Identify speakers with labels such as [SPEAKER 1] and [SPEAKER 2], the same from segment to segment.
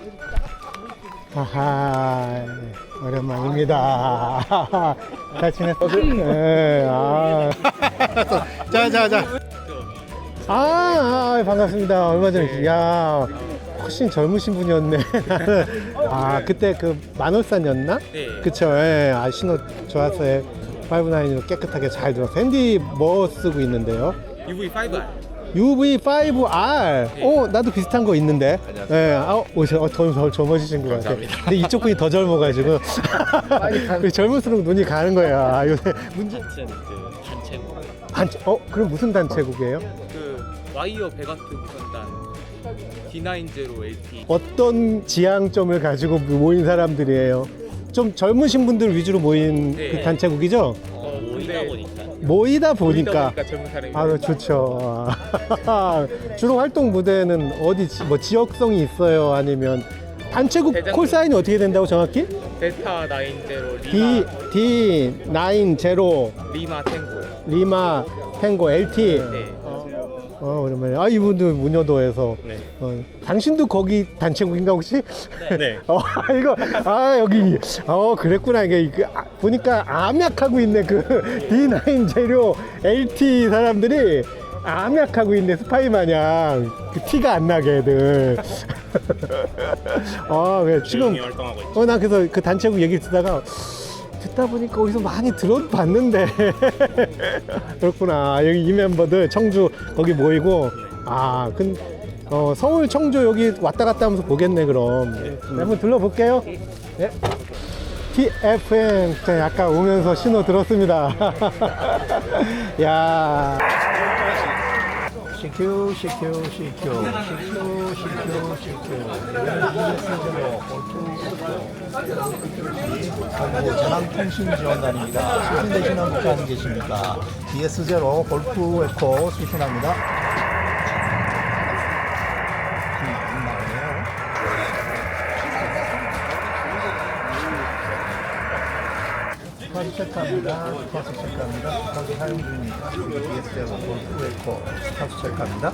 [SPEAKER 1] 하하, 오랜만입니다. 잘 지냈어? 네, 아. 자. 반갑습니다. 얼마 전에, 야, 훨씬 젊으신 분이었네. 아, 그때 그 만월산이었나?
[SPEAKER 2] 네.
[SPEAKER 1] 그쵸, 예. 아, 신호 좋았어요. 5.9로 깨끗하게 잘 들었어요. 핸디 뭐 쓰고 있는데요?
[SPEAKER 2] UV5R.
[SPEAKER 1] UV5R.
[SPEAKER 2] 네.
[SPEAKER 1] 나도 비슷한 거 있는데. 예. 더 젊으신 것 같아요. 근데 이쪽 분이 더 젊어가지고. 젊을수록 눈이 가는 거야. 요새 문제.
[SPEAKER 2] 단체는 그 단체고.
[SPEAKER 1] 그럼 무슨 단체국이에요?
[SPEAKER 2] 그 와이어 베가트 무선단 D90LT.
[SPEAKER 1] 어떤 지향점을 가지고 모인 사람들이에요? 좀 젊으신 분들 위주로 모인
[SPEAKER 2] 네.
[SPEAKER 1] 그 단체국이죠?
[SPEAKER 2] 모이다 보니까.
[SPEAKER 1] 모이다 보니까.
[SPEAKER 2] 젊은 사람이.
[SPEAKER 1] 아, 좋죠. 주로 활동 무대는 어디, 뭐 지역성이 있어요? 아니면 단체국
[SPEAKER 2] 대장동.
[SPEAKER 1] 콜사인이 어떻게 된다고 정확히?
[SPEAKER 2] 델타 90
[SPEAKER 1] D90
[SPEAKER 2] 리마 탱고요.
[SPEAKER 1] 리마 탱고 LT.
[SPEAKER 2] 네.
[SPEAKER 1] 오랜만에. 이분도 문여도에서.
[SPEAKER 2] 네.
[SPEAKER 1] 당신도 거기 단체국인가 혹시?
[SPEAKER 2] 네.
[SPEAKER 1] 여기. 그랬구나. 보니까 암약하고 있네. 그 D9 재료 LT 사람들이 암약하고 있네. 스파이 마냥. 그 티가 안 나게 애들. 왜 지금.
[SPEAKER 2] 활동하고 있죠.
[SPEAKER 1] 나 그래서 그 단체국 얘기 듣다가 듣다 보니까 어디서 많이 들어봤는데 그렇구나. 여기 이 멤버들 청주 거기 모이고 서울 청주 여기 왔다 갔다 하면서 보겠네. 그럼 한번 둘러볼게요. 네. TFM 아까 오면서 신호 들었습니다. 야.
[SPEAKER 3] CQ 전함통신지원단입니다. 수신 대신한 국가는 계십니까? DS0 골프 에코 수신합니다. 주파수 체크합니다. 주파수 사용 중입니다. DS0 골프 에코 주파수 체크합니다.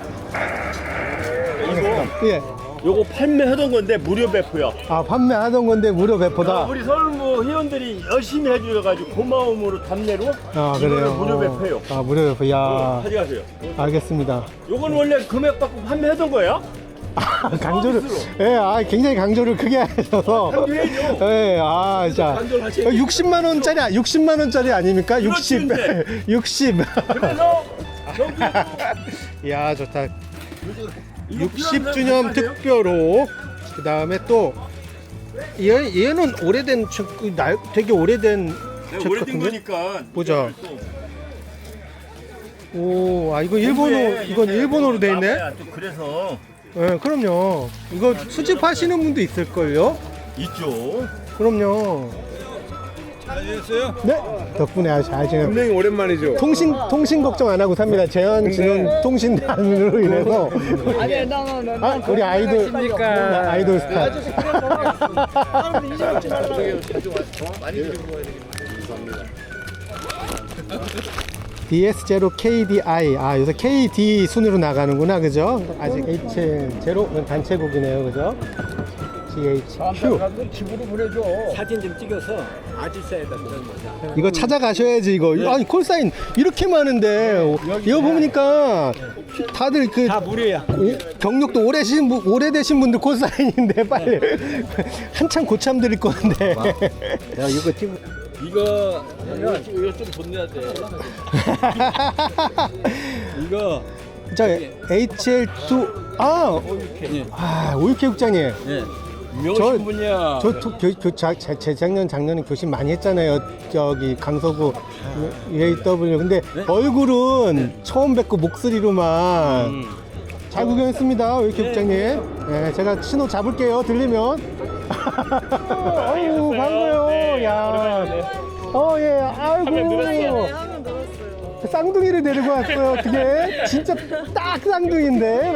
[SPEAKER 1] 예.
[SPEAKER 4] 요거 판매하던 건데 무료 배포야.
[SPEAKER 1] 판매하던 건데 무료 배포다.
[SPEAKER 4] 우리 서울무 회원들이 열심히 해주셔가지고 고마움으로 답례로
[SPEAKER 1] 그래요.
[SPEAKER 4] 이거는 무료 배포요.
[SPEAKER 1] 무료 배포. 야.
[SPEAKER 4] 가져가세요.
[SPEAKER 1] 알겠습니다.
[SPEAKER 4] 요건 원래 금액 받고 판매하던 거야?
[SPEAKER 1] 강조를, 굉장히 강조를 크게 하셔서.
[SPEAKER 4] 강조해줘.
[SPEAKER 1] 자.
[SPEAKER 4] 강조를 하셔야지.
[SPEAKER 1] 60만원짜리 아닙니까? 60.
[SPEAKER 4] 그렇지,
[SPEAKER 1] 60.
[SPEAKER 4] 그래서 여기
[SPEAKER 1] 야, 좋다.
[SPEAKER 4] 이거
[SPEAKER 1] 60주년
[SPEAKER 4] 필요한 사람
[SPEAKER 1] 특별호. 그 다음에 또, 얘는 오래된, 되게 오래된
[SPEAKER 4] 내가
[SPEAKER 1] 책
[SPEAKER 4] 오래된
[SPEAKER 1] 같은데?
[SPEAKER 4] 거니까.
[SPEAKER 1] 보자.
[SPEAKER 4] 또
[SPEAKER 1] 이거 이건 일본어로 돼 있네?
[SPEAKER 4] 또 그래서
[SPEAKER 1] 네, 그럼요. 이거 수집하시는 분도 있을걸요?
[SPEAKER 4] 있죠.
[SPEAKER 1] 그럼요.
[SPEAKER 2] 잘 지냈어요?
[SPEAKER 1] 네. 덕분에 아주 잘 지내.
[SPEAKER 2] 분명히 오랜만이죠.
[SPEAKER 1] 통신 걱정 안 하고 삽니다. 재현 통신단으로 인해서. 우리 아이돌 아이돌 스타. DS0 KDI. 요새 KD 순으로 나가는구나. 그죠? 아직 H0 단체국이네요. 그죠? GHQ.
[SPEAKER 4] 사진 좀 찍어서 아지사에다 넣는 거야.
[SPEAKER 1] 이거 찾아가셔야지. 이거. 아니 콜사인 이렇게 많은데 이거 보니까 다들
[SPEAKER 4] 다 무료야.
[SPEAKER 1] 경력도 오래되신 분들 콜사인인데 빨리 한참 고참 드릴 건데.
[SPEAKER 4] 이거 좀 돈 내야 돼. 이거
[SPEAKER 1] 저 HL2 오육회 국장님.
[SPEAKER 4] 네. 유명하신 분이야.
[SPEAKER 1] 작년에 교신 많이 했잖아요. 저기 강서구 UAW. 근데 얼굴은 처음 뵙고 목소리로만 잘 구경했습니다. 오육회 국장님. 네, 제가 신호 잡을게요. 들리면. 아유, 반가워요. 야. 아이고. 쌍둥이를 데리고 왔어요. 어떻게? 진짜 딱 쌍둥이인데.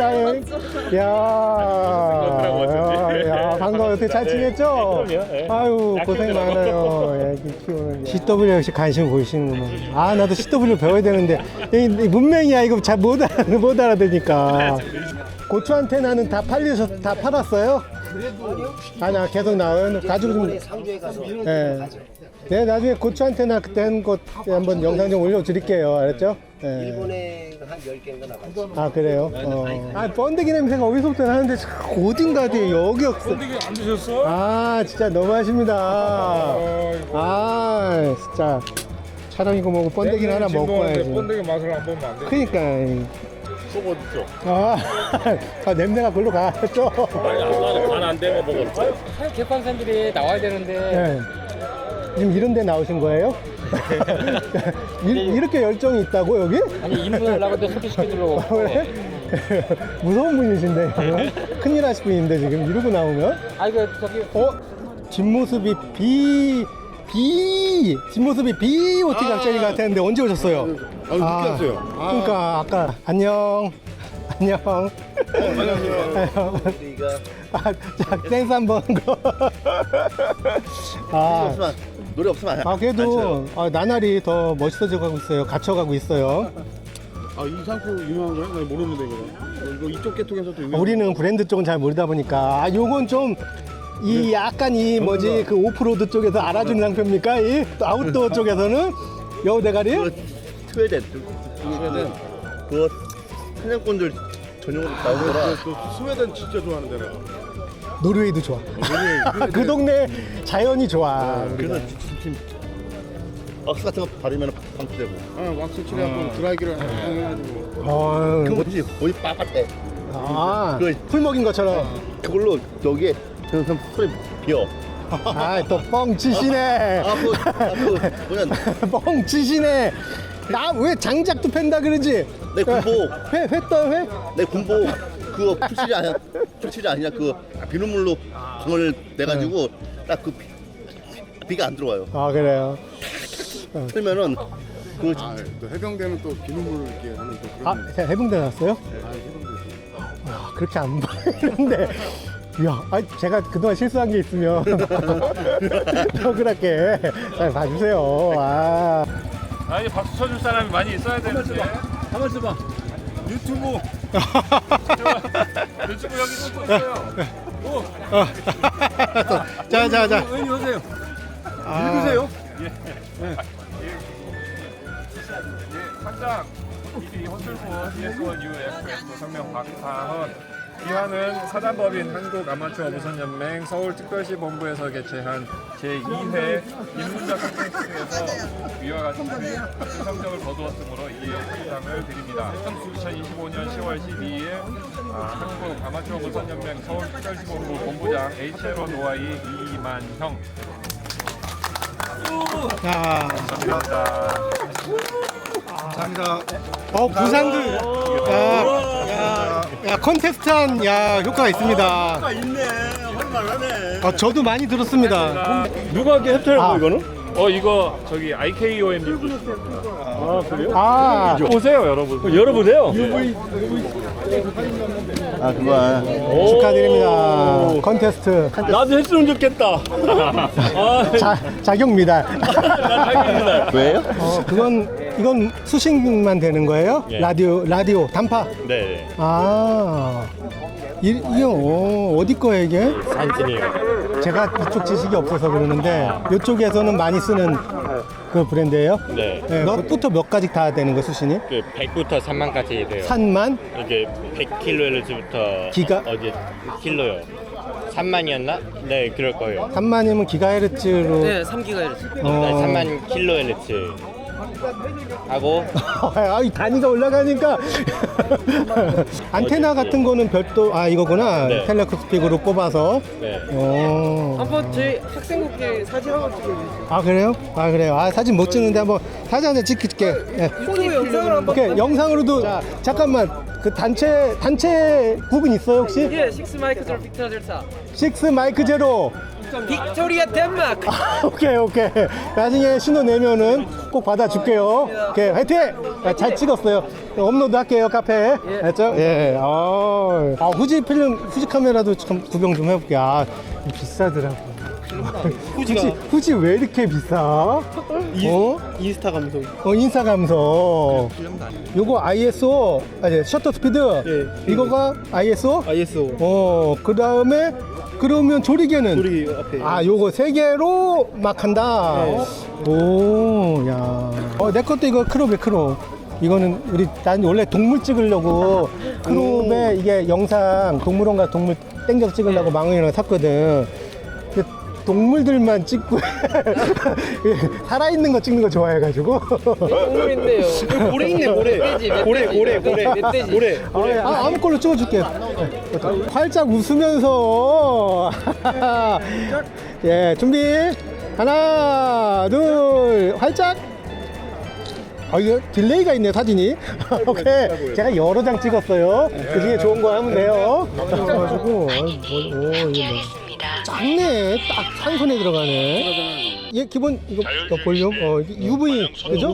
[SPEAKER 1] 야, 반가워요. 어떻게 잘 지냈죠? 아유, 고생 많아요. 애기 키우는. CW 역시 관심 보이시는구나. 나도 CW 배워야 되는데 문맹이야. 이거 잘 못 알아듣니까. 고추 안테나는 다 팔았어요? 아니야, 계속 나온 가지고 좀.
[SPEAKER 5] 상주에 가서
[SPEAKER 1] 예. 네, 나중에 고추한테나 그때 한 것 한번 영상 좀 올려드릴게요. 알았죠? 예.
[SPEAKER 5] 일본에 한 10개인가 나갔지.
[SPEAKER 1] 아, 그래요? 아, 번데기 냄새가 어디서부터 나는데 참 어딘가 돼. 여기 없어.
[SPEAKER 2] 번데기 안 드셨어?
[SPEAKER 1] 아, 진짜 너무하십니다. 아, 진짜. 촬영이고 뭐고 번데기는 하나 먹고 와야지.
[SPEAKER 2] 번데기 맛을 안 보면 안 돼.
[SPEAKER 1] 그니까.
[SPEAKER 2] 속 어딨죠?
[SPEAKER 1] 아, 아, 냄새가 글로 가. 또.
[SPEAKER 2] 간안 되면 먹었죠.
[SPEAKER 4] 사실 개판사들이 나와야 되는데
[SPEAKER 1] 네. 지금 이런 데 나오신 거예요? 이렇게 열정이 있다고 여기?
[SPEAKER 4] 아니 인문하려고 또 소개시켜주려고.
[SPEAKER 1] 왜? 무서운 분이신데 큰일 하실 분인데 지금 이러고 나오면
[SPEAKER 4] 아 이거 저기
[SPEAKER 1] 뒷모습이 뒷모습이 비오티 작전이 같았는데 언제 오셨어요?
[SPEAKER 2] 늦게 왔어요.
[SPEAKER 1] 그러니까 아까 안녕
[SPEAKER 2] 안녕하세요.
[SPEAKER 1] 자, 댄스 한번
[SPEAKER 3] 노래 없으면
[SPEAKER 1] 아 그래도 나날이 더 멋있어져 가고 있어요. 갇혀가고 있어요.
[SPEAKER 2] 이 상품 유명한 거야? 나 모르는데 이거 이쪽 계통에서도 유명.
[SPEAKER 1] 우리는 브랜드 쪽은 잘 모르다 보니까 요건 좀 이 약간 이 뭐지 그 오프로드 쪽에서 알아주는 상표입니까? 이 아웃도어 쪽에서는 여우 대가리?
[SPEAKER 3] 스웨덴 그 사냥꾼들 전용으로 나온 거라
[SPEAKER 2] 스웨덴 진짜 좋아하는데 내가.
[SPEAKER 1] 노르웨이도 좋아. 그 동네 자연이 좋아.
[SPEAKER 3] 그래서 지금 왁스 같은 거 바르면 방치되고
[SPEAKER 2] 왁스 칠해갖고 드라이기를 해가지고.
[SPEAKER 1] 어,
[SPEAKER 3] 그 뭐지 어디 빠갈 때
[SPEAKER 1] 풀 먹인 것처럼.
[SPEAKER 3] 그걸로 여기에 저는 소리 비어
[SPEAKER 1] 또 뻥 치시네.
[SPEAKER 3] 뭐냐
[SPEAKER 1] 뻥 치시네. 나 왜 장작도 팬다 그러지?
[SPEAKER 3] 내 군복
[SPEAKER 1] 회 떠.
[SPEAKER 3] 내 군복 그거 풀칠이 아니냐 그 비눗물로 방을 내가지고 딱 그 비가 안 들어와요.
[SPEAKER 1] 아 그래요.
[SPEAKER 3] 그러면은 그
[SPEAKER 2] 또 해병대는 또 비눗물을 이렇게 하는 또 그런.
[SPEAKER 1] 제가 해병대 나왔어요? 그렇게 안 보이는데. 야, 제가 그동안 실수한 게 있으면 억울하게 잘 봐주세요.
[SPEAKER 6] 아니 박수 쳐줄 사람이 많이 있어야 되는데.
[SPEAKER 4] 가만 있어봐.
[SPEAKER 6] 유튜브 여기 또 있어요.
[SPEAKER 1] 자.
[SPEAKER 4] 의원님 오세요.
[SPEAKER 1] 읽으세요.
[SPEAKER 6] 상장 이디 허슬부 ES1 UFS 성명 박하헌 기한은 사단법인 한국아마추어무선연맹 서울특별시 본부에서 개최한 제2회 인문작 콘텐츠에서 위와 같은 성적을 거두었으므로 이 상장을 드립니다. 2025년 10월 12일 한국아마추어무선연맹 서울특별시 본부 본부장 HLO 노아이 이만형.
[SPEAKER 1] 감사합니다. 부산들. 야, 컨테스트한 효과가 있습니다. 효과 있네. 할만하네. 저도 많이 들었습니다.
[SPEAKER 6] 누가 캡처한 거 이거는? 이거 저기 IKOM 그래요? 보세요 여러분. 열어보세요.
[SPEAKER 3] 그거야
[SPEAKER 1] 축하드립니다. 컨테스트.
[SPEAKER 6] 나도 했으면 좋겠다.
[SPEAKER 1] 자격 미달.
[SPEAKER 3] 왜요?
[SPEAKER 1] 이건 수신만 되는 거예요?
[SPEAKER 6] 예.
[SPEAKER 1] 라디오 단파.
[SPEAKER 6] 네.
[SPEAKER 1] 이게 어디 거예요 이게?
[SPEAKER 6] 산진이요.
[SPEAKER 1] 제가 이쪽 지식이 없어서 그러는데 이쪽에서는 많이 쓰는 그 브랜드예요?
[SPEAKER 6] 네.
[SPEAKER 1] 몇부터 몇 가지 다 되는 거예요 수신이?
[SPEAKER 6] 그 100부터 3만까지 돼요.
[SPEAKER 1] 산만?
[SPEAKER 6] 이게 100kHz부터
[SPEAKER 1] 기가?
[SPEAKER 6] 어제 킬로요. 3만이었나? 네, 그럴 거예요.
[SPEAKER 1] 3만이면 기가헤르츠로.
[SPEAKER 7] 네, 3GHz.
[SPEAKER 6] 네, 3만 kHz 하고
[SPEAKER 1] 이 단위가 올라가니까 안테나 같은 거는 별도 이거구나.
[SPEAKER 6] 네.
[SPEAKER 1] 텔레스코픽으로 뽑아서.
[SPEAKER 6] 네.
[SPEAKER 7] 한번 저희 학생국회 사진 한번 찍어주세요.
[SPEAKER 1] 그래요. 사진 못 찍는데 한번 사진 한번 찍을게. 예.
[SPEAKER 7] 유튜브 영상을 한번.
[SPEAKER 1] 오케이, 영상으로도. 잠깐만. 그 단체 국은 있어요 혹시?
[SPEAKER 7] 예, 6 마이크 제로 빅토리아 델타.
[SPEAKER 1] 6 마이크 제로.
[SPEAKER 7] 빅토리아 덴마크.
[SPEAKER 1] 오케이. 나중에 신호 내면은 꼭 받아줄게요. 오케이, 화이팅! 잘 찍었어요. 업로드 할게요, 카페에. 알죠? 예. 후지 필름, 후지 카메라도 참 구경 좀 해볼게. 비싸더라고. 후지 왜 이렇게 비싸?
[SPEAKER 5] 인스타 감성.
[SPEAKER 1] 인스타 감성. 요거 ISO, 셔터 스피드. 이거가 ISO?
[SPEAKER 5] ISO.
[SPEAKER 1] 그 다음에 그러면 조리개는?
[SPEAKER 2] 우리 앞에.
[SPEAKER 1] 아, 요거 3개로 막 한다. 오, 야. 내 것도 이거 크롭에 크롭. 이거는 난 원래 동물 찍으려고 크롭에 이게 영상 동물원가 동물 땡겨서 찍으려고 망원이랑 샀거든. 근데 동물들만 찍고 살아있는 거 찍는 거 좋아해가지고.
[SPEAKER 7] 동물인데요.
[SPEAKER 2] 고래 있네, 고래. 고래. 고래.
[SPEAKER 1] 아무 걸로 찍어줄게. 활짝 웃으면서. 예, 준비. 하나, 둘, 활짝. 이거 딜레이가 있네, 사진이. 오케이. 제가 여러 장 찍었어요. 그 중에 좋은 거 하면 돼요. 그래가지고, 이게 뭐. 작네. 딱 한 손에 들어가네. 얘 기본, 이거 볼륨? 이게 UV, 그죠?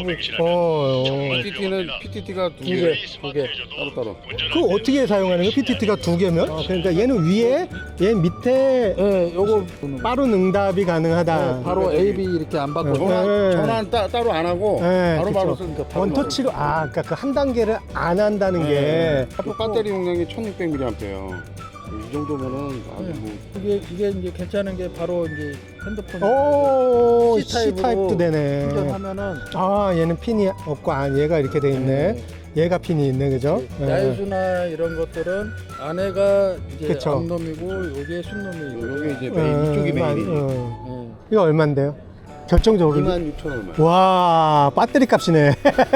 [SPEAKER 2] PTT가 두 개, 따로따로.
[SPEAKER 1] 그거 어떻게 사용하는 거야? PTT가 2개면? 그러니까 얘는 위에, 얘 밑에
[SPEAKER 2] 네, 요거
[SPEAKER 1] 빠른 응답이 가능하다.
[SPEAKER 2] 바로 AB 이렇게 안 받고
[SPEAKER 1] 네.
[SPEAKER 2] 전화는 따로 안 하고
[SPEAKER 1] 네,
[SPEAKER 2] 바로
[SPEAKER 1] 그쵸.
[SPEAKER 2] 쓰니까 바로
[SPEAKER 1] 원터치로, 그러니까 그 한 단계를 안 한다는 게.
[SPEAKER 2] 또 배터리 용량이 1600mAh예요. 이 정도면은 아주 뭐
[SPEAKER 8] 이게 이제 괜찮은 게 바로 이제 핸드폰
[SPEAKER 1] 오,
[SPEAKER 8] C-타입으로
[SPEAKER 1] C타입도 되네.
[SPEAKER 8] 충전하면은
[SPEAKER 1] 얘는 핀이 없고, 얘가 이렇게 돼 있네. 얘가 핀이 있네, 그죠?
[SPEAKER 8] 야유수나 이런 것들은 안에가 이제
[SPEAKER 1] 그쵸.
[SPEAKER 8] 암놈이고 요게 순놈이고
[SPEAKER 2] 여기 이제 메인, 이쪽이 메인이지.
[SPEAKER 1] 이거 얼만데요? 결정적으로.
[SPEAKER 2] 26,000원.
[SPEAKER 1] 와, 배터리 값이네.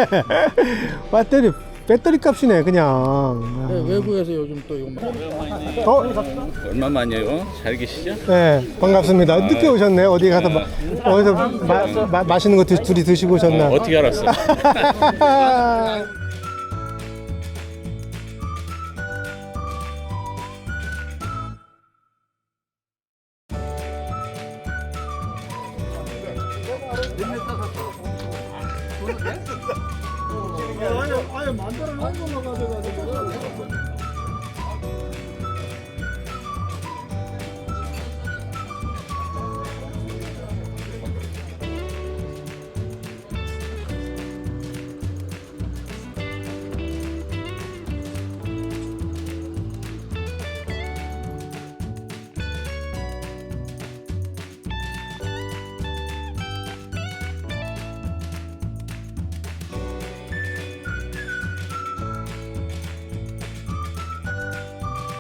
[SPEAKER 1] 배터리 값이네, 그냥.
[SPEAKER 8] 외국에서 요즘 또 이거
[SPEAKER 6] 얼마만이에요? 잘 계시죠?
[SPEAKER 1] 네, 반갑습니다. 늦게 오셨네. 어디 가서 어디서 맛있는 거 둘이 드시고 오셨나?
[SPEAKER 6] 어떻게 알았어?
[SPEAKER 8] 아니 만들어 놓은 거만 가져가지고